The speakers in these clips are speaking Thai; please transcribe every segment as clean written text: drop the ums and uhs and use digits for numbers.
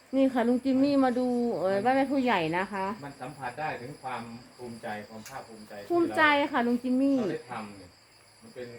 นี่ค่ะลุงจิมมี่มาดูบ้านแม่ผู้ใหญ่นะคะมันสัมผัสได้ถึงความภูมิใจความภาคภูมิใจที่ภูมิใจค่ะลุงจิมมี่เราได้ทำเนี่ยมันเป็น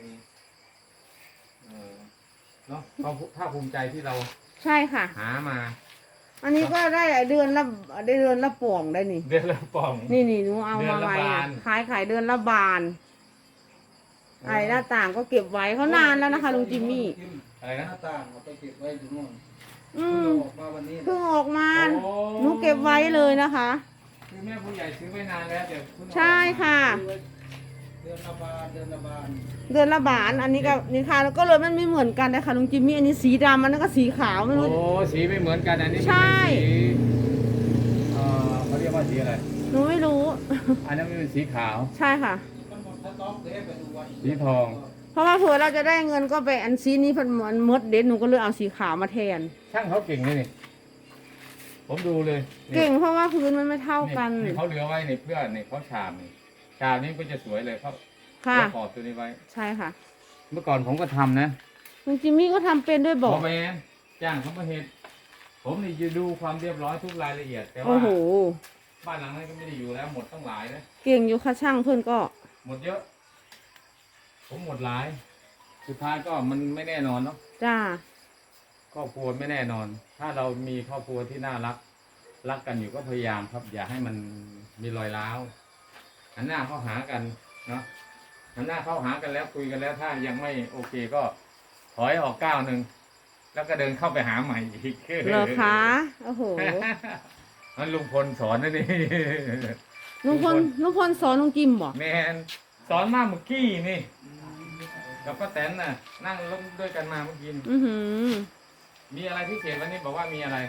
เนาะความภาคภูมิใจที่เราใช่ค่ะหามาอันนี้ก็ได้เดือนละป่องได้นี่เดือนละป่องนี่หนูเอามาไว้เดือนละบาทขายเดือนละบานไอ้หน้าต่างก็เก็บไว้เขานานแล้วนะคะลุงจิมมี่อะไรหนะน้าต่างเอาไปเก็บไว้อยู่นู่นอืเพิ่งมออกมาวันนี้เพิ่งออกมาโอ้หนูเก็บไว้เลยนะคะคือแม่ผู้ใหญ่ซื้อไว้นานแล้วเดี๋ยวเพิ่งเอาใช่ค่ะซื้อไว้เดือนละบาทเดือนละบาทเดือนละบานอันนี้ก็นี่ค่ะแล้วก็เลยมันไม่เหมือนกันนะคะลุงจิมมี่อันนี้สีดำอันนั้นก็สีขาวไม่รู้โอ้สีไม่เหมือนกันอันนี้มันใช่เป็นสีเขาเรียกว่าสีอะไรหนูไม่รู้อันนั้นมันเป็นสีขาวใช่ค่ะมันหมดสต็อกเลยไปดูวันสีทองเพราะว่าเผื่อเราจะได้เงินก็ไปอันซีนี้มันมดเด็ดหนูก็เลยเอาสีขาวมาแทนช่างเขาเก่งเลยนี่ผมดูเลยนี่เก่งเพราะว่าพื้นมันไม่เท่ากันนี่เขาเหลือไว้ในเพื่อนนี่เขาฉาบนี่ฉาบนี้ก็จะสวยเลยเขาค่ะเขาขอบตัวนี้ไว้ใช่ค่ะเมื่อก่อนผมก็ทำนะลุงจิมมี่ก็ทำเป็นด้วยบอกแมนจ้างเขามาเห็นผมนี่จะดูความเรียบร้อยทุกรายละเอียด แต่ว่าโอ้โหบ้านหลังนั้นก็ไม่ได้อยู่แล้วหมดตั้งหลายนะเก่งอยู่ค่ะช่างเพื่อนก็หมดเยอะ ผมหมดหลาย สุดท้ายก็มันไม่แน่นอนเนาะจ้าครอบครัวไม่แน่นอน ถ้าเรามีครอบครัวที่น่ารัก รักกันอยู่ก็พยายามครับ อย่าให้มันมีรอยร้าวหันหน้าเข้าหากันเนาะหันหน้าเข้าหากันแล้วคุยกันแล้วถ้ายังไม่โอเคก็ถอยออกก้าวหนึ่งแล้วก็เดินเข้าไปหาใหม่อีกเหรอคะโอ้โหมันลุงพลสอนนะนี่ลุงพลสอนลุงจิมบอกแมนสอนมาเมื่อกี้นี่กับป้าแตนน่ะ นั่งร่วมด้วยกันมาเมื่อกี้อือหือมีอะไรพิเศษวันนี้บอกว่ามีอะไร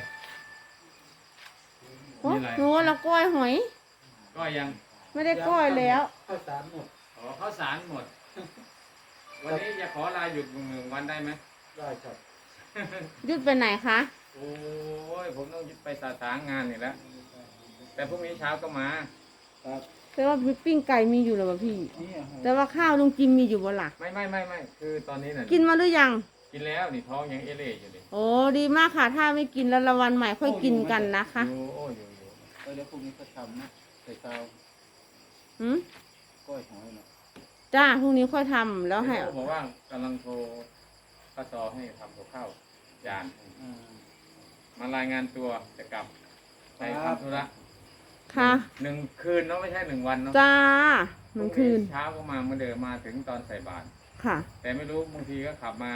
โอ้มีอะไรหนูว่าเราก้อยหอยก็ยังไม่ได้ก้อยแล้วข้าวสารหมดอ๋อข้าวสารหมด วันนี้จะขอลาหยุดหนึ่งวันได้ไหมได้ครับยุดไปไหนคะโอ้ยผมต้องยึดไปสาสางงานนี่แล้วแต่พรุ่งนี้เช้าก็มาครับแต่ว่าปิ้งไก่มีอยู่หรือเปล่าพี่นี่อะแต่ว่าข้าวลุงจิมมีอยู่บ่ล่ะไม่คือตอนนี้น่ะกินมาหรือยังกินแล้วนี่ท้องยังเอเล่อยู่ดิโอ้ดีมากค่ะ ถ้าไม่กินแล้วละวันใหม่ค่อยกินกันนะคะอยู่โอ้อยู่เดี๋ยวพรุ่งนี้ก็ทำนะใส่เตาหืมก้อยหอยนะจ้าพรุ่งนี้ค่อยทำแล้วให้เขาบอกว่ากำลังโทรป้าซอให้ทำกับข้าวจานอ่ามารายงานตัวจะกลับไปครับทำธุระค่ะ 1 คืนเนาะไม่ใช่1 วันเนาะจ้าหนึ่งคืนเช้าก็มาเมื่อเดิมมาถึงตอนใส่บาตรค่ะแต่ไม่รู้บางทีก็ขับมา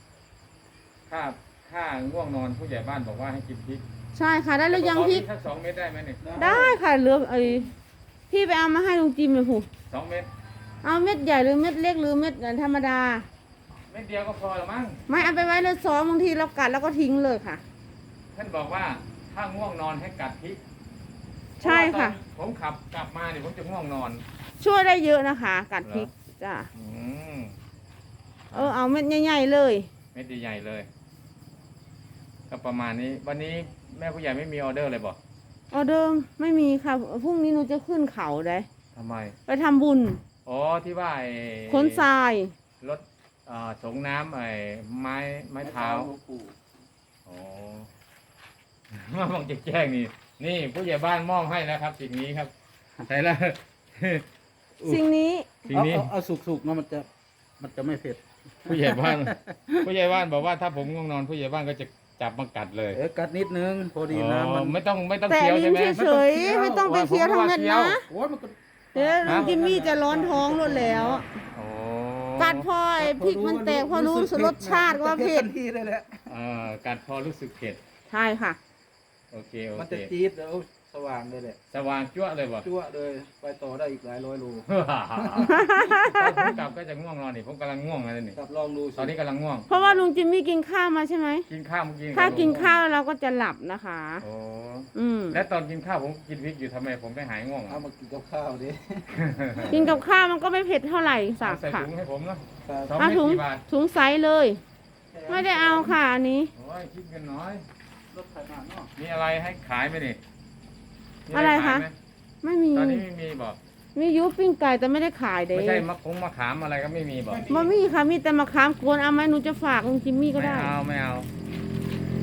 ถ้าง่วงนอนผู้ใหญ่บ้านบอกว่าให้กินพริกใช่ค่ะได้แล้วยังพี่สัก2 เม็ดได้ไหมเนี่ยได้ค่ะเหลือพี่ไปเอามาให้ลุงจิมเลยผู้ 2 เม็ดเอาเม็ดใหญ่หรือเม็ดเล็กหรือเม็ดธรรมดาเม็ดเดียวก็พอละมั้งไม่เอาไปไว้เลยซ้อมบางทีเรากัดแล้วก็ทิ้งเลยค่ะท่านบอกว่าถ้าง่วงนอนให้กัดพริกใช่ค่ะเพราว่าตอนผมขับกลับมาเนี่ยผมจะง่วงนอนช่วยได้เยอะนะคะ กัดพริกจ้าอืมเอาเม็ดใหญ่ๆเลยเม็ดใหญ่ๆเลย ก็ประมาณนี้ วันนี้แม่ผู้ใหญ่ไม่มีออเดอร์เลยบอกออเดิมไม่มีค่ะพรุ่งนี้หนูจะขึ้นเขาได้ทำไมไปทำบุญอ๋อที่ว่าไอ้ขนทรายรถสงน้ำไอ้ไม้เท้าหลวงปู่อ๋อ มาบอกจะแจ้งนี่ นี่ผู้ใหญ่บ้านมอบให้แล้วครับ สิ่งนี้ครับใช่แล้วสิ่งนี้สิ่งนี้เอาสุกๆเนาะมันจะไม่เผ็ดผู้ใหญ่บ้าน ผู้ใหญ่บ้านบอกว่าถ้าผมง่วงนอนผู้ใหญ่บ้านก็จะจับมากัดเลยกัดนิดนึงพอดีน้ำมันไม่ต้องแต่เคี้ยวลิ้ใช่นไหมเฉยๆไม่ต้องไปเคี้ยวทั้งเม็ดนะโอ้ยมันก็เดี๋ยวลุงจิมมี่จะร้อนท้องรวดแล้วโอ้กัดพอไอ้พริกมันแตกพอรู้รสชาติว่าเผ็ดทันทีเลยแหละกัดพอรู้สึกเผ็ดใช่ค่ะโอเคมันจะจี๊ดแล้วสว่างเลยแหละสว่างจั่วเลยบ่จั่วเลยไปต่อได้อีกหลายร้อยโลตอนผมกลับก็จะง่วงนอนนี่ผมกำลังง่วงเลยนี่กลับลองดูสิตอนนี้กำลังง่วงเพราะว่าลุงจิมมี่กินข้าวมาใช่ไหมกินข้าวเมื่อกี้ถ้ากินข้าวเราก็จะหลับนะคะโอ้อืมและตอนกินข้าวผมกินพริกอยู่ทำไมผมไม่หายง่วงเอามากินกับข้าวดิกินกับข้าวมันก็ไม่เผ็ดเท่าไหร่สักใส่ค่ะถุงให้ผมเนาะครับสองเอาเม็ดถุงกี่บาทถุงไซส์เลย ไม่ได้เอาค่ะอันนี้โอ้ยคิดกันน้อยรถไถนาเนาะมีอะไรให้ขายไหมนี่มีอะไรคะขายหมไม่มีตอนนี้ไม่มีบอกมียุปิ้งไก่แต่ไม่ได้ขายเด้ไม่ใช่มะขามอะไรก็ไม่มีบอกบ่มีค่ะมีแต่มะขามกวนเอาไหมหนูจะฝากลุงจิมมี่ก็ไม่ได้เอาไม่เอา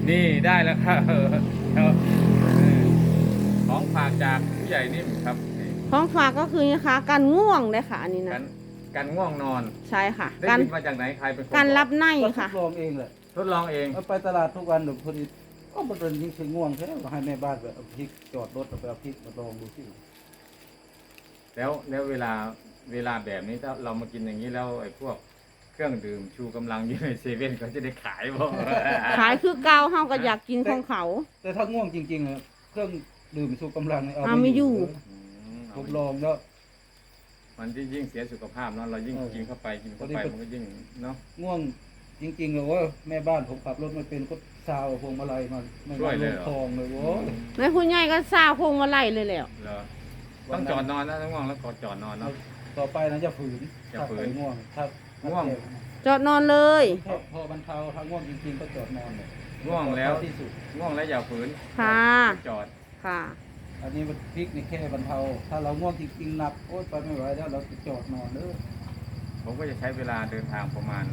นี่ได้แล้วครับของฝากจากผู้ใหญ่นิ่มครับนี่ของฝากก็คือนะคะการง่วงเลยค่ะอันนี้กันะนกันง่วงนอนใช่ค่ะได้การยินมาจากไหนใครเป็นคนการอกรับในก็ทค่ะดลองเองแหละทดลองเองเอาไปตลาดทุกวันเดี๋ยวพอดีก็มันเป็นยิ่งคือง่วงแท้ก็ให้แม่บ้านไปเอาพริกจอดรถเอาไปเอาพริกมาลองดูสิแล้วเวลาแบบนี้ถ้าเรามากินอย่างนี้แล้วไอ้พวกเครื่องดื่มชูกำลังอยู่ในเซเว่นเขาจะได้ขายบ่ขายคือเกาเฮาก็อยากกินของเขาแต่ถ้าง่วงจริงๆอะเครื่องดื่มชูกำลังเนี่ยเอาไม่อยู่ผมลองแล้วมันยิ่งเสียสุขภาพเนาะเรายิ่งกินเข้าไปมันก็ยิ่งเนาะง่วงจริงๆเลยว่าแม่บ้านผมขับรถไม่เป็นก็ซาวพวงมาลัยมาไม่ช่วยเลยลเหรองคลองเลยโว้ยแม่คุณใหญ่ก็ซาวพวงมาไล่เลยแหล้วเหรอต้องจอดนอนนะถ้าง่วงแล้วก็จอดนอนเนาะต่อไปนะจะฝืนจะฝืนถ้าไปง่วงถ้าง่วงจอดนอนเลยพอบรรเทาถ้าง่วงจริงๆก็จอดนอนเลยง่วงแล้วที่สุดง่วงแล้วอย่าฝืนค่ะจอดค่ะอันนี้มันพริกนี่แค่บรรเทา ถ้าเราง่วงจริงๆหนักโอ๊ยไปไม่ไหวแล้วเราจะจอดนอนเด้อผมก็จะใช้เวลาเดินทางประมาณ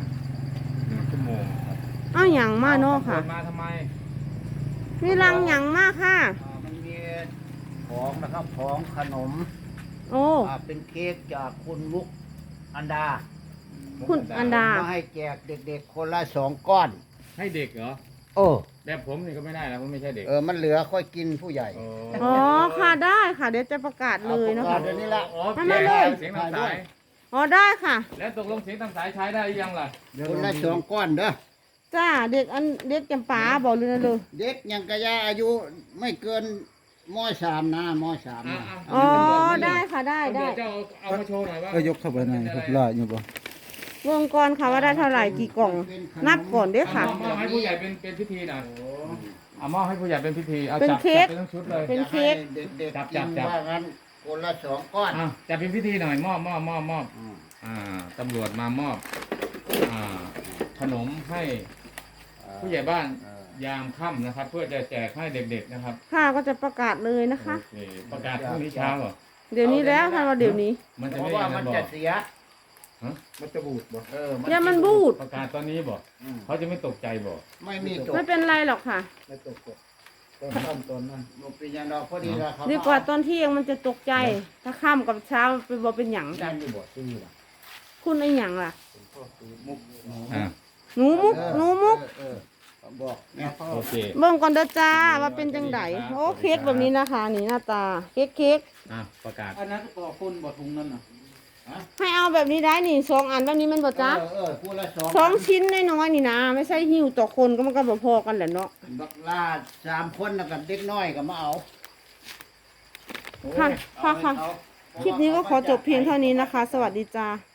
1 ชั่วโมงครับเอ้าหยังมาเนาะค่ะมาทำไมมีรังหยังมากค่ะมันมีของนะครับของขนมโอ้เป็นเค้กจากคุณมุกอันดาคุณอันดามาให้แจกเด็กๆคนละ2 ก้อนให้เด็กเหรอโอ้แบบผมนี่ก็ไม่ได้นะผมไม่ใช่เด็กมันเหลือค่อยกินผู้ใหญ่โอ้อ๋อค่ะได้ค่ะ เดี๋ยวจะประกาศเลยนะเอาคะเดี๋ยวนี้ละอ๋อทำไมเลยเสียงตามสายอ๋อได้ค่ะแล้วตกลงเสียงตามสายใช้ได้หรือยังล่ะคนละ2 ก้อนเด้อจ้าเด็กจำปาบอกเลยนะเลยเด็กยังกระยาอายุไม่เกินม.3 นะม.3นะอ๋อได้ค่ะได้ได้เดี๋ยวจะเอามาโชว์หน่อยว่าก็ยกเข้าไปในครับล่าอยู่บ่วงกรค่ะว่าได้เท่าไหร่กี่กล่อง นับก่อนเด้อค่ะมอบให้ผู้ใหญ่เป็นพิธีหน่อยเอามอบให้ผู้ใหญ่เป็นพิธีเอาเป็นจับเค้กเป็นทั้งชุดเลยเป็นเค้กจะให้เด็กจับๆกินจับว่างั้นคนละ2 ก้อนอ่ะจับเป็นพิธีหน่อยมอบอืมตำรวจมามอบขนมให้ผู้ใหญ่บ้านยามค่ำนะครับ เพื่อจะแจกให้เด็กๆนะครับค่ะก็จะประกาศเลยนะคะโอเคประกาศพรุ่งนี้เช้าเหรอเดี๋ยวนี้แล้วท่านว่าเดี๋ยวนี้มันจะเพไม่ราะว่ายัมันงบอจะกเสียมันจะบูดบ่อย่ามันบูดประกาศตอนนี้บอกอืมเขาจะไม่ตกใจบอกไม่มีตกไม่เป็นไรหรอกค่ะไม่ตกตกตอนค่ำตอนนั้นบ่เป็นหยังดอกพอดีแล้วครับดีกว่าตอนเที่ยงมันจะตกใจ ถ้าค่ำกับเช้าเป็นบ่เป็นหยังยันอยู่บ่ซื้อล่ะคุณไอ้หยังล่ะมุกหนูอ่าหนูมุกหนูมุกบอกแม่พ่อโอเคเบิ่งก่อนเด้อจ้าว่าเป็นจังไดโอ้เค้กแบบนี้นะคะ นี่หน้าตาเค้กประกาศอันนั้นก็ต่อคนบ่ทุงนั่นน่ะให้เอาแบบนี้ได้นี่2 อันแบบนี้มันบ่จ้าพูดละ 2 ชิ้นน้อยๆนี่นะไม่ใช่หิ้วต่อคนก็มันก็บ่พอกันแหละเนาะบักลา3 คนแล้วกับเด็กน้อยก็มาเอาค่ะค่ะ คลิปนี้ก็ขอจบเพียงเท่านี้นะคะ สวัสดีจ้า